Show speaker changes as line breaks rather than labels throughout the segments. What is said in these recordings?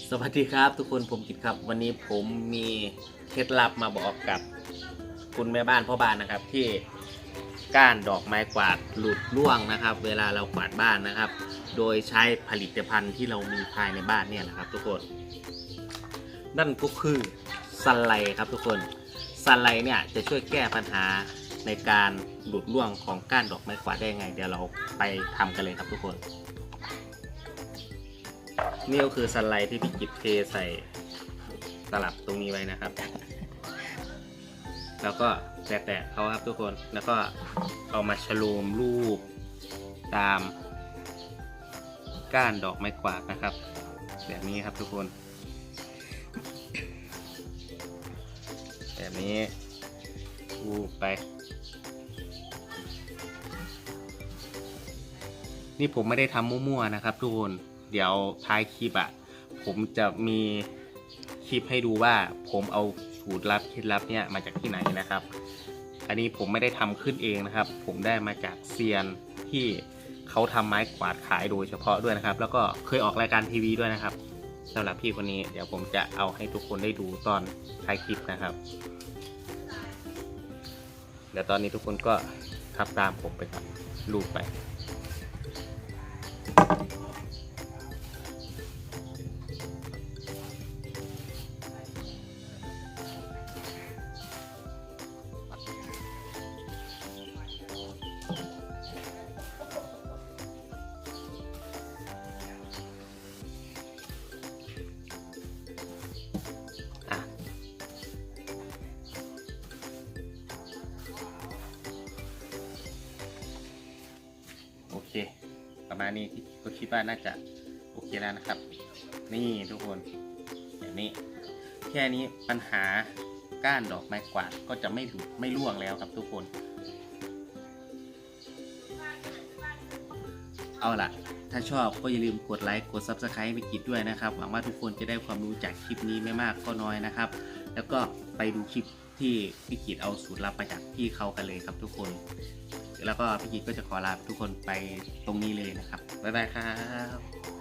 สวัสดีครับทุกคนผมกิตครับวันนี้ผมมีเคล็ดลับมาบอกกับคุณแม่บ้านพ่อบ้านนะครับที่ก้านดอกไม้กวาดหลุดร่วงนะครับ เวลาเรากวาดบ้านนะครับ โดยใช้ผลิตภัณฑ์ที่เรามีภายในบ้านเนี่ยนะครับทุกคนนั่นก็คือซันไลครับทุกคนซันไลเนี่ยจะช่วยแก้ปัญหาในการหลุดร่วงของก้านดอกไม้กวาดได้ยังไงเดี๋ยวเราไปทำกันเลยครับทุกคนนี่ก็คือซันไลท์ที่พี่กิจเทใส่ตลับตรงนี้ไว้นะครับแล้วก็แตะๆเขาครับทุกคนแล้วก็เอามาฉลูมรูปตามก้านดอกไม้กวาดนะครับแบบนี้ครับทุกคนแบบนี้รูปไปนี่ผมไม่ได้ทำมั่วๆนะครับทุกคนเดี๋ยวท้ายคลิปผมจะมีคลิปให้ดูว่าผมเอาสูตรลับเคล็ดลับเนี่ยมาจากที่ไหนนะครับอันนี้ผมไม่ได้ทำขึ้นเองนะครับผมได้มาจากเซียนที่เขาทำไม้กวาดขายโดยเฉพาะด้วยนะครับแล้วก็เคยออกรายการทีวีด้วยนะครับสำหรับพี่คนนี้เดี๋ยวผมจะเอาให้ทุกคนได้ดูตอนท้ายคลิปนะครับเดี๋ยวตอนนี้ทุกคนก็ทำตามผมไปครับรูปไปโอเคประมาณนี้ก็คิดว่าน่าจะโอเคแล้วนะครับนี่ทุกคนแบบนี้แค่นี้ปัญหาก้านดอกไม้กวาดก็จะไม่ร่วงแล้วครับทุกคนเอาล่ะถ้าชอบก็อย่าลืมกดไลค์กด Subscribe ให้พี่กิจด้วยนะครับหวังว่าทุกคนจะได้ความรู้จากคลิปนี้ไม่มากก็น้อยนะครับแล้วก็ไปดูคลิปที่พี่กิจเอาสูตรลับมาจากพี่เขากันเลยครับทุกคนแล้วก็พี่กิจก็จะขอลาทุกคนไปตรงนี้เลยนะครับบ๊ายบายครับ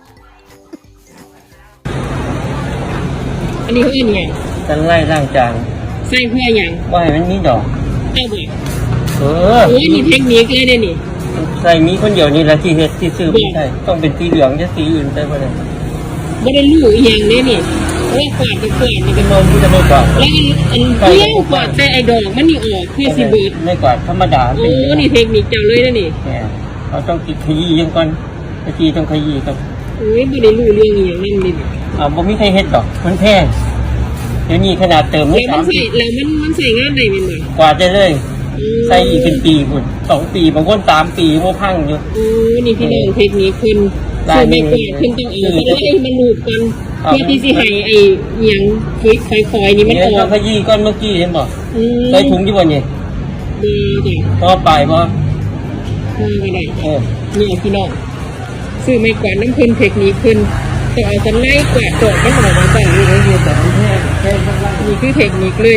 อันนี้เพื่อนไง
กันไล่ร่างจาง
ใส่เพื่อยัง
ว่าให้มันมีดอก
เอาบ่
โอ้
ยมีเทคนิคเลยเด้นี่
ใส่มีคนเดียวนี่แหละที่เฮ็ดที่ซื้อไม่ใช่ต้องเป็นสีเหลืองจะสีอื่นได้บ่ได้
บ่ได้รู้อีหยังเด้นี่ว่ากวาดจะกวาดนี่
เป็นนมที่จะไม่กวาด
แล้วอันเที่ยวกวาดแต่ไอ้ดอกมันนี่ออกคือสิเบิด
ไม่กวาดธรรมดา
โอ้นี่เทคนิคเจ้าเลยนะนี่
เราต้องติดขยี้ยังก่อนขยี้ต้องขยี้ครับ
โอ้ยบ่ได้รู้เรื่องอีหยังนั่นนี่
บ่มีใครเฮ็ดดอกมันแพงเดี๋ยวนี้ขนาดเติม
ไม่3ปีแล้วมันใส่งานได้แม่นบ่
กวาดได้เลยใส่อีกเป็นปีพุ่น2ปีบางคน3ปีบ่พังอยู่
โอ้นี่พี่น้องเทคนิคขึ้นซื้อไม่กวาดขึ้นต้องเอาแล้วไอ้มันรูปกันเพื่อที่สิให้ไอ้หยังค่อยๆนี่มันออก
ขยี้ก้อนเมื่อกี้เห็นบ่ใส่ถุงอยู่บ่นี่
ดีจ้ะ
ต่อไปบ่
ไม่ได้นี่พี่น้องซื้อไม่กวาดน้ำขึ้นเทคนิคขึ้นแต่เอาจะไล่กวาดดอกไม่หอมมาแต่นี่เลยแต่แค่นี่คือเทคนิคเลย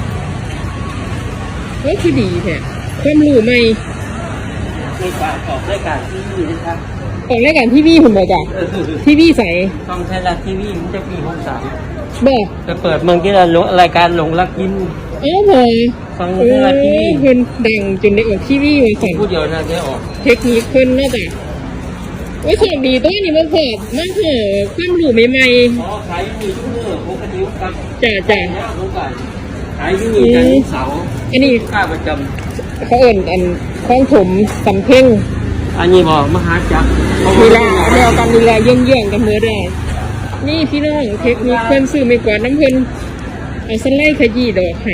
ก็คือดีแท้ความรู้ใหม่
ไม่กวาดออกรายการทีวีนะครับ
ออกรายการทีวีผมบอกจ้ะทีวีใส
ช่องไทยรัฐทีวีมันจะปี63
บอก
จะเปิดเมืองที่เรารายการหลงรักยิน
พอ
ฟังไทยรัฐทีวี
เพิ่นดังจนได้ออกทีวีมาสั่น
ผู้เดียวน่าจะออก
เทคนิคเพิ่นน่าจะโอ้ยโชคดีตัวนี้มันเพิ่มมันเพิ่มความรู้ใหม่
ๆขายมีทุกเมื่อปกติครับ
จ้ะ
ขายที่นี่กันเสาร์
อันนี้
ค่าประจำ
เขาเอิ้นอันของผมสำเพ็ง
อันนี้บอกมหาจักร
เวลาเดียวกันเวลาเยื่องๆกันเมื่อได้นี่พี่น้องเทคนิคเพิ่นซื้อไม่กว่าน้ำเพิ่นเอาสไลด์ขยี้ดอกให้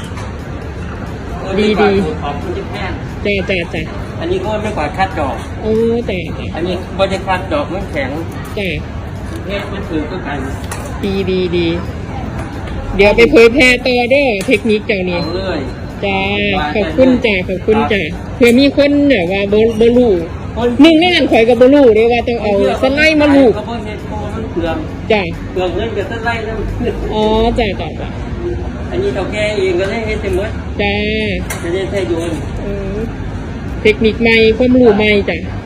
ดี
ขอบคุณที่แพง
จ้ะ
อันนี้ก็ไม่กว่าคัดดอก
โอ้แต่
อันนี้บ่ได้คัดดอกมันแข็ง
จ้ะ
เฮ็ดมันถือก็กัน
ดีเดี๋ยวไปเผยแพร่ต่อเด้อเทคนิคเจ้านี่จ้าขอบคุณจ้ะเผื่อมีคนเนี่ยว่าบ่รู้หนึ่งในนั้นข่อยก็บ่รู้เด้ว่าต้องเอาสไลด์มาลูบจ้ะ
เปลืองเงินกับสไลด์แล้ว
อ๋อจ้ะ
อันนี้เท่าแก่เองก็ได้เฮ็ดเต็มหมด
จ้า
จะได้ใช้โยน
เทคนิคใหม่ความรู้ใหม่จ้ะ